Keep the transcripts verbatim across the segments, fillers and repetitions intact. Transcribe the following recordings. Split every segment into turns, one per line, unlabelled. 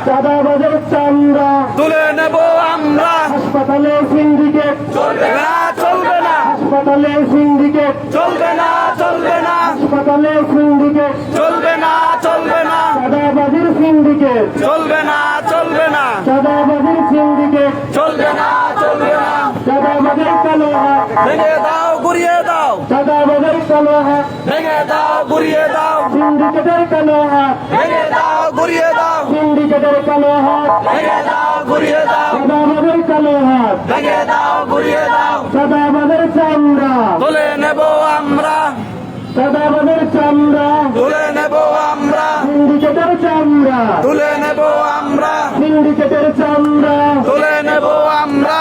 চাঁদাবাজের চামড়া
তুলে নেব আমরা।
হাসপাতালে সিন্ডিকেট
চলবে না, চলবে না,
হাসপাতালে সিন্ডিকেট
চলবে না, চলবে না,
হাসপাতালে সিন্ডিকেট
চলবে না, চলবে না,
চাঁদাবাজের সিন্ডিকেট
চলবে না, চলবে না,
চাঁদাবাজের সিন্ডিকেট
চলবে না, চলবে না।
চাঁদাবাজের কালো হাত
ভেঙে দাও, গুড়িয়ে দাও,
চাঁদাবাজের কালো হাত
ভেঙে দাও, গুড়িয়ে দাও,
সিন্ডিকেটের কালো হাত
ভেঙে দাও, গুড়িয়ে দাও,
সিন্ডিকেটের কালো হাত
ভেঙে দাও, গুড়িয়ে দাও,
চাঁদাবাজের কালো হাত
ভেঙে দাও, গুড়িয়ে দাও।
চাঁদাবাজের চামড়া
তুলে নেব আমরা,
চাঁদাবাজের চামড়া
তুলে নেব আমরা,
সিন্ডিকেটের চামড়া
তুলে নেব আমরা,
সিন্ডিকেটের চামড়া
তুলে নেব আমরা।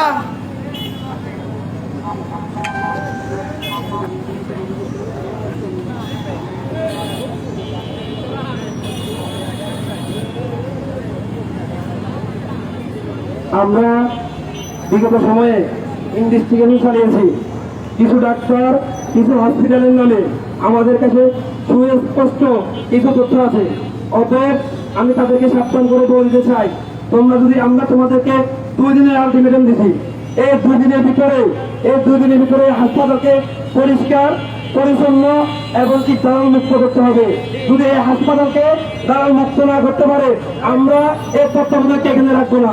আমরা বিগত সময়ে ইনভেস্টিগেশন চালিয়েছি। কিছু ডাক্তার কিছু হসপিটালের নামে আমাদের কাছে সুস্পষ্ট কিছু তথ্য আছে। অতএব আমি তাদেরকে সাবধান করে বলতে চাই, তোমরা যদি আমরা তোমাদেরকে দুই দিনের আলটিমেটাম দিছি, এই দুই দিনের ভিতরে এই দুই দিনের ভিতরে হাসপাতালকে পরিষ্কার পরিচ্ছন্ন এবং কি দালাল মুক্ত করতে হবে। যদি এই হাসপাতালকে দালাল মুক্ত না করতে পারে আমরা এই তত্ত্বাবধানকে এখানে রাখবো না।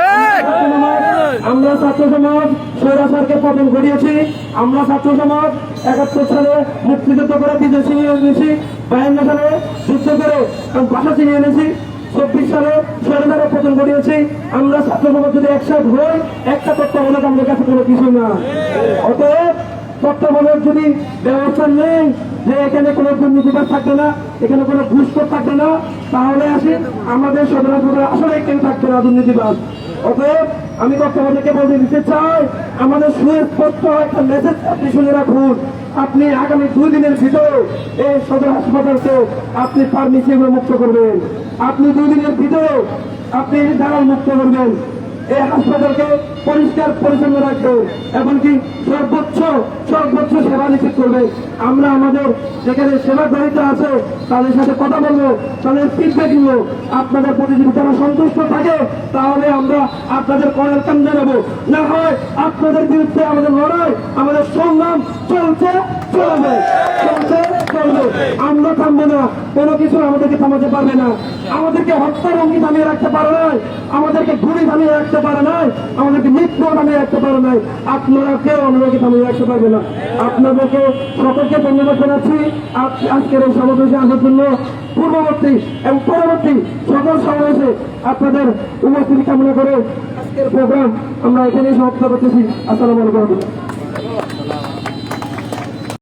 আমরা ছাত্র সমাজ স্বৈরাচারকে পতন ঘটিয়েছি। আমরা ছাত্র সমাজ একাত্তর সালে মুক্তিযুদ্ধ করে বিজয় ছিনিয়ে এনেছি, বায়ান্ন সালে যুদ্ধ করে ভাষা ছিনিয়ে এনেছি, চব্বিশ সালে স্বৈরাচারের পতন ঘটিয়েছি। আমরা ছাত্র সমাজ যদি একসাথে হই, একটা তত্ত্বাবধান আমাদের কাছে কোনো কিছু না। অতএব তত্ত্বাবধানের যদি ব্যবস্থা নেই যে এখানে কোনো দুর্নীতিবাজ থাকবে না, এখানে কোনো ঘুষখোর থাকবে না, তাহলে আসি আমাদের সদর হাসপাতালে আসলে কেউ থাকবে না দুর্নীতিবাজ। অতএব আমি তত্ত্বাবধানকে বলতে দিতে চাই, আমাদের সুস্পষ্ট একটা মেসেজ আপনি শুনে রাখুন। আপনি আগামী দুই দিনের ভিতরে এই সদর হাসপাতালকে আপনি ফার্মেসি মুক্ত করবেন। আপনি দুই দিনের ভিতরে আপনি দালাল মুক্ত করবেন। এই হাসপাতালকে পরিষ্কার পরিচ্ছন্ন রাখবে এমনকি সর্বোচ্চ সর্বোচ্চ সেবা নিশ্চিত করবে। আমরা আমাদের যেখানে সেবা গ্রহীতা আছে তাদের সাথে কথা বলবো, তাদের ফিডব্যাক নিব। আপনাদের প্রতি যদি তারা সন্তুষ্ট থাকে তাহলে আমরা আপনাদের করার কাম জানাবো, না হয় আপনাদের বিরুদ্ধে আমাদের লড়াই আমাদের সংগ্রাম চলছে চলবে চলছে চলবে। আমরা থামবো না, কোনো কিছু আমাদেরকে থামাতে পারবে না। আমাদেরকে হত্যার অঙ্গি থামিয়ে রাখতে পারে নাই, আমাদেরকে গুলি থামিয়ে রাখতে পারে নাই, আমাদেরকে মৃত্যু থামিয়ে রাখতে পারে নাই। আপনারা কেউ আমাদেরকে থামিয়ে রাখতে পারবে না। আপনাদেরকে সকলকে ধন্যবাদ জানাচ্ছি আজকের এই সমাবেশে আসার জন্য। পূর্ববর্তী এবং পরবর্তী সকল সমাবেশে আপনাদের উপস্থিতি কামনা করে আজকের প্রোগ্রাম আমরা এখানেই সমাপ্ত করতেছি। আসসালামু আলাইকুম।